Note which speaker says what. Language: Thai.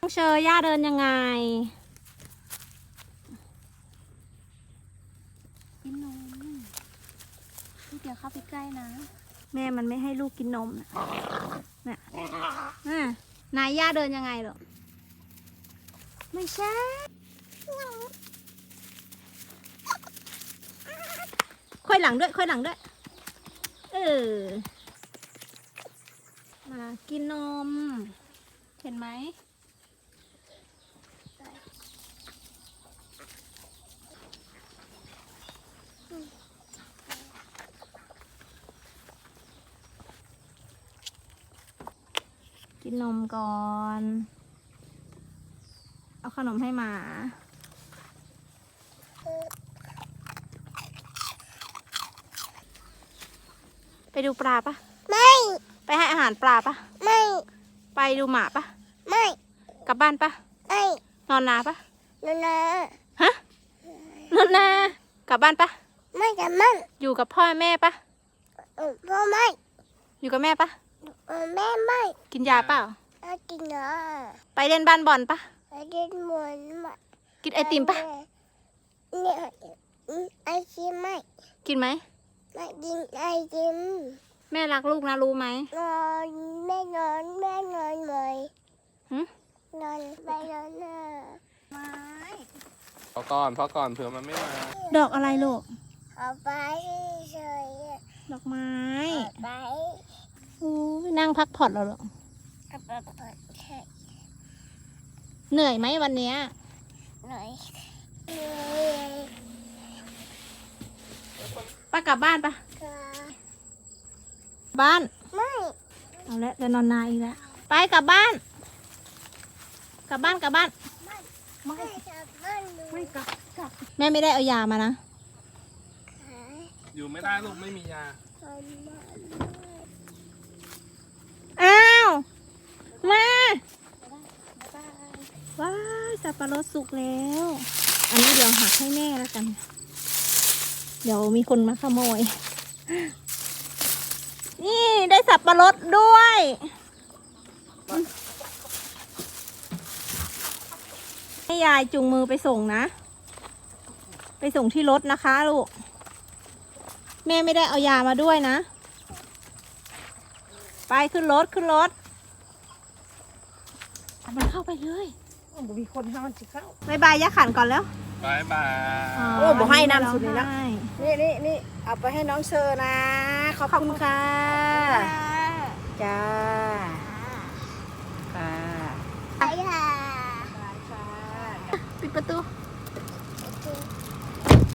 Speaker 1: น้องเชอย่าเดินยังไง
Speaker 2: กินนมเดี๋ยวเข้าไปใกล้นะ
Speaker 1: แม่มันไม่ให้ลูกกินนมน่ะนายย่าเดินยังไงหรอไม่ใช่ค่อยหลังด้วยค่อยหลังด้วยมากินนมเห็นไหมกินนมก่อนเอาขนมให้หมาไปดูปลาปะ
Speaker 2: ไม่
Speaker 1: ไปให้อาหารปลาปะ
Speaker 2: ไม่
Speaker 1: ไปดูหมาปะ
Speaker 2: ไม่
Speaker 1: กลับบ้านปะ
Speaker 2: ไม่
Speaker 1: นอนนาปะ
Speaker 2: นอนนา
Speaker 1: ฮะนอนนากลับบ้านปะ
Speaker 2: ไม่กับมัน
Speaker 1: อยู่กับพ่อแม่ปะ
Speaker 2: พ่อไม่
Speaker 1: อยู่กับแม่ปะ
Speaker 2: แม่ไม่
Speaker 1: กินยาเปล่า
Speaker 2: กินยา
Speaker 1: ไปเล่นบ้านบอลปะ
Speaker 2: ไปกินหมูน
Speaker 1: กินไอติมปะ
Speaker 2: เนี่ยไอติมไม่
Speaker 1: กินไหม
Speaker 2: ไม่กินไอติม
Speaker 1: แม่รักลูกนะรู้ไหม
Speaker 2: นอนแม่นอนเลยนอนไปนอนไม้
Speaker 3: พอก่อนเผื่อมันไม่มา
Speaker 1: ดอกอะไรลูก
Speaker 2: เอาไปเฉย
Speaker 1: ดอกไม้
Speaker 2: ไป
Speaker 1: นั่งพักผ่อนแล้วหรอเหนื่อยไหมวันนี้
Speaker 2: เหนื่อย
Speaker 1: ป้ากลับบ้านปะบ้าน
Speaker 2: ไม่
Speaker 1: เอาละจะนอนนานอีกแล้วไปกลับบ้านกลับบ้าน
Speaker 2: ไม่
Speaker 1: กลับแม่ไม่ได้เอายามานะ
Speaker 3: อยู่ไม่ได้ลูกไม่มียา
Speaker 1: อ้าวมาว้ายสับปะรดสุกแล้วอันนี้เดี๋ยวหักให้แม่แล้วกันเดี๋ยวมีคนมาขโมยนี่ได้สับปะรดด้วยให้ยายจูงมือไปส่งนะไปส่งที่รถนะคะลูกแม่ไม่ได้เอายามาด้วยนะไปขึ้นรถมันเข้าไปเลย
Speaker 2: มีคนให้มันจิเข้า
Speaker 1: บายบายย่าขันก่อนแล้ว
Speaker 3: บายบาย
Speaker 2: โอ้บอกให้นำสุดเลยนะนี่เอาไปให้น้องเชอนะขอบคุณค่ะจ้าค่ะ
Speaker 1: ปิดประตู